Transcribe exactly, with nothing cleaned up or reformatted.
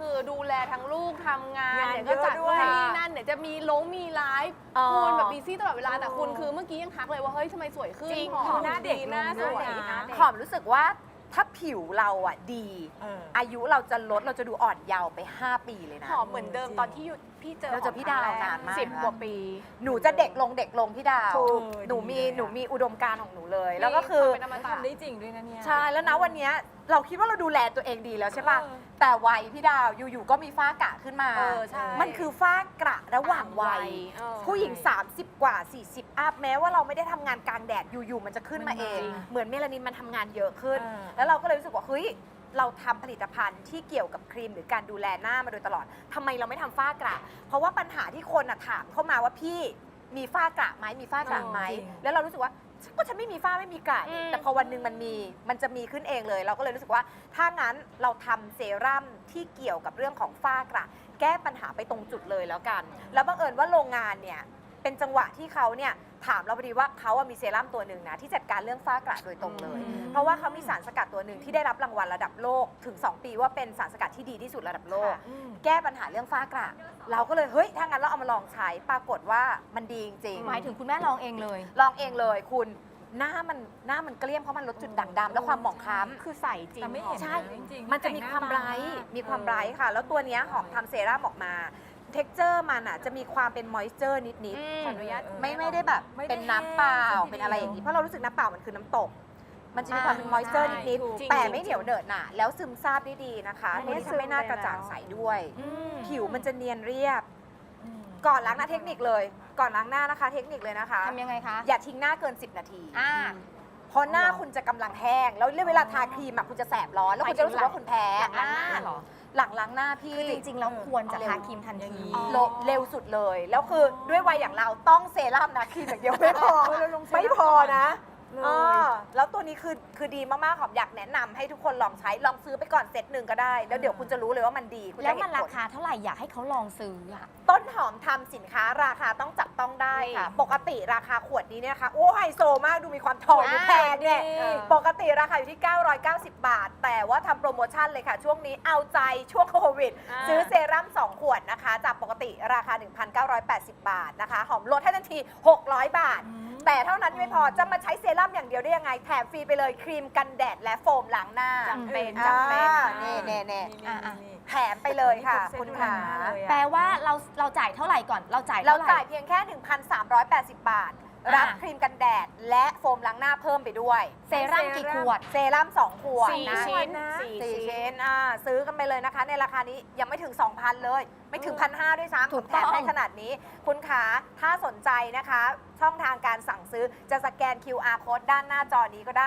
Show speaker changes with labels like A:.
A: คือดูแลทั้งลูกทำงาน
B: งาน
A: เดี๋ยวก็จัด
B: เยอะด้วย
A: นู่นนี่นั่นเดี๋ยวจะมีลงมีไลฟ์
C: อ๋อ
A: คุณแบบบีซี่ตลอดเวลาแต่
B: เออ
A: คุณคือเมื่อกี้ยังทักเลยว่าเฮ้ยทำไมสวยขึ้น
C: จริง
A: ผอ
B: ห
A: ม
B: น้าเด็ก
A: หน้า
B: ลง
A: สวย
B: ด้วยนะ
A: หน้าเด็ก
C: หอมรู้สึกว่าถ้าผิวเราอ่ะดี
B: เออ
C: อายุเราจะลดเราจะดูอ่อนเยาว์ไป ห้า ปีเลยนะ
A: หอมเหมือนเดิมตอนที่อยู่พี่เจอ
C: เราเจอพี่ดาวนานมาก
A: สิบกว่าปี
C: หนูจะเด็กลงเด็กลงพี่ดาว
B: ถูก
C: หนูมี
B: ดีเลยอะ
C: หนูมีอุดมการณ์ของหนูเลย แล้วก็คือ
A: เป็นอมตะ
B: ทำได้จริงด้วยนะเนี่ย
C: ใช่แล้วนะวันเนี้ยเราคิดว่าเราดูแลตัวเองดีแล้วใช่ป่ะ
B: เออ
C: แต่วัยพี่ดาวอยู่ๆก็มีฝ้ากระขึ้นมา
A: เออใช่
C: มันคือฝ้ากระระหว่างวัย
A: เออ
C: ผู้หญิง สามสิบ กว่า สี่สิบ อัพแม้ว่าเราไม่ได้ทำงานกลางแดดอยู่ๆมันจะขึ้นมาเอง
B: จริง
C: เหมือนเมลานินมันทำงานเยอะขึ้น
B: เออ
C: แล้วเราก็เลยรู้สึกว่าเฮ้ยเราทำผลิตภัณฑ์ที่เกี่ยวกับครีมหรือการดูแลหน้ามาโดยตลอดทำไมเราไม่ทำฝ้ากระ เพราะว่าปัญหาที่คนอะถามเข้ามาว่าพี่มีฝ้ากระไหมมีฝ้ากระไหม
B: จริง
C: แล้วเรารู้สึกว่าก็ฉันไม่มีฝ้าไม่มีกระนี่
A: อืม
C: แต่พอวันหนึ่งมันมีมันจะมีขึ้นเองเลย เราก็เลยรู้สึกว่าถ้างั้นเราทำเซรั่มที่เกี่ยวกับเรื่องของฝ้ากระ แก้ปัญหาไปตรงจุดเลยแล้วกัน แล้วบังเอิญว่าโรงงานเนี่ยเป็นจังหวะที่เขาเนี่ยถามเราพอดีว่าเขาอะมีเซรั่มตัวหนึ่งนะที่จัดการเรื่องฝ้ากระโดยตรงเลย
B: อืม
C: เพราะว่าเขามีสารสกัดตัวหนึ่งที่ได้รับรางวัลระดับโลกถึง สอง ปีว่าเป็นสารสกัดที่ดีที่สุดระดับโลก
B: อืม
C: แก้ปัญหาเรื่องฝ้ากระ เราก็เลยเฮ้ยถ้างั้นเราเอามาลองใช้ปรากฏว่ามันดีจริงๆ
D: หมายถึงคุณแม่ลองเองเลย
C: ลองเองเลยคุณหน้ามันหน้ามันเกลี้ยงเพราะมันลดจุดด่างดำและความหมองคล้ำ
A: คือใสจริง
B: แต่ไม่เห็น
C: ใช่
B: นะจริงๆ
C: มันจะมีความไบรท์มีความไบรท์ค่ะ แล้วตัวเนี้ยหอมทำเซรั่มออกมา เท็กเจอร์มันอ่ะจะมีความเป็นมอยเจอร์นิด
A: อืม
C: ๆ
A: ขออนุญาต
C: ไม่ไม่ได้แบบ
B: ไม่ได้
C: เป็นน้ำเปล่า
B: แห้ง
C: เป็นอะไรอย่างนี้ เพราะเรารู้สึกน้ำเปล่ามันคือน้ำตก มันจะมี
D: อ่า
C: ความเป็นมอยเจอร์นิด
A: ถูก
C: ๆ แต่ไม่เหนียวเหนอะหนะแล้วซึมซาบได้ดีนะคะ
A: ไม่
C: เนี่ย
A: ซึ
C: จะ
A: ม
C: ไม่น่า
A: เลย
C: กระจ่าง
A: แล้ว
C: ใสด้วย
B: อืม
C: ผิวมันจะเนียนเรียบ
B: อืม
C: ก่อนล้างหน้าเทคนิคเลย ก่อนล้างหน้านะคะ เทคนิคเลยนะคะ
D: ทำยังไงคะ
C: อย่าทิ้งหน้าเกิน สิบ นาที
D: อ่า
C: เพราะหน้าคุณจะกำลังแห้ง แล้วเวลาทาครีมอะคุณจะแสบร้อน แล้วคุณจะรู้สึกว่าคุณแพ้
D: หลังล้างหน้าเหรอ
C: หลังล้างหน้าพี่
D: คือจริงๆแล้วควรจะทาครีมทัน
B: อย่าง
D: ที
B: นี้
C: โลเร็วสุดเลย แล้วคือด้วยวัยอย่างเราต้องเซรั่มนะครีมอย่างเดียวไม่พอ
B: เออเราลงเซรั่ม
C: ไม่พอนะ
B: เลย
C: เออแล้วตัวนี้คือคือดีมากๆหอมอยากแนะนำให้ทุกคนลองใช้ลองซื้อไปก่อนเซตหนึ่งก็ได้ แล้วเดี๋ยวคุณจะรู้เลยว่ามันดีคุณ
D: แล้
C: จะ
D: ว
C: เห็
D: มัน
C: น
D: รา
C: ผล
D: คาเท่าไหร่อยากให้เขาลองซื้ออ่ะ
C: ต้นหอมทำสินค้าราคาต้องจับต้องได้ค่ะ ปกติราคาขวดนี้เนี่ยนะคะโอ้ไฮโซมากดูมีความทองดูแพงเนี่ย
B: อ่า
C: ปกติราคาอยู่ที่ เก้าร้อยเก้าสิบ บาท แต่ว่าทำโปรโมชั่นเลยค่ะ ช่วงนี้เอาใจช่วงโควิด
A: อ่า
C: ซื้อเซรั่ม สอง ขวดนะคะ จากปกติราคา หนึ่งพันเก้าร้อยแปดสิบ บาทนะคะ หอมลดให้ทันที หกร้อย บาท แต่เท่านั้นไม่พอจะมาใช้เซรั่มอย่างเดียวได้ยังไง แถมฟรีไปเลยครีมกันแดดและโฟมล้างหน้า
A: จำเป็น
C: อ่า
A: จำเป็น
C: นี่เน่เน่
B: นี่
D: อ่ะอ่ะ
B: นี่
C: แถมไปเลยค่ะ
B: นี่
C: คุณ
B: เซ็ต
C: ขา
B: ดูแลหน้าเลยอะ
D: แปลว่าเราเราจ่ายเท่าไหร่ก่อน เราจ่าย
C: เรา
D: เท่าไหร่
C: จ่ายเพียงแค่ หนึ่งพันสามร้อยแปดสิบ บาท รับ
D: อ่า
C: ครีมกันแดด และโฟมล้างหน้าเพิ่มไปด้วย
D: เซรั่มกี่ขวด
C: เซรั่มสอง ขวด
A: สี่
C: นะ
A: ชิ้น
B: นะ
A: สี่
C: สี่
A: ชิ้
C: ชิ้
A: น
C: นอ่าซื้อกันไปเลยนะคะ ในราคานี้ยังไม่ถึง สองพัน เลย ไม่ถึง
B: เออ
C: พันห้าด้วยซ้ำ
D: ถูก
C: แถ
D: ต้อ
C: ม
D: ง
C: ให้ขนาดนี้ คุณขาถ้าสนใจนะคะ ช่องทางการสั่งซื้อจะสแกน คิว อาร์ Code ด้านหน้าจอนี้ก็ได้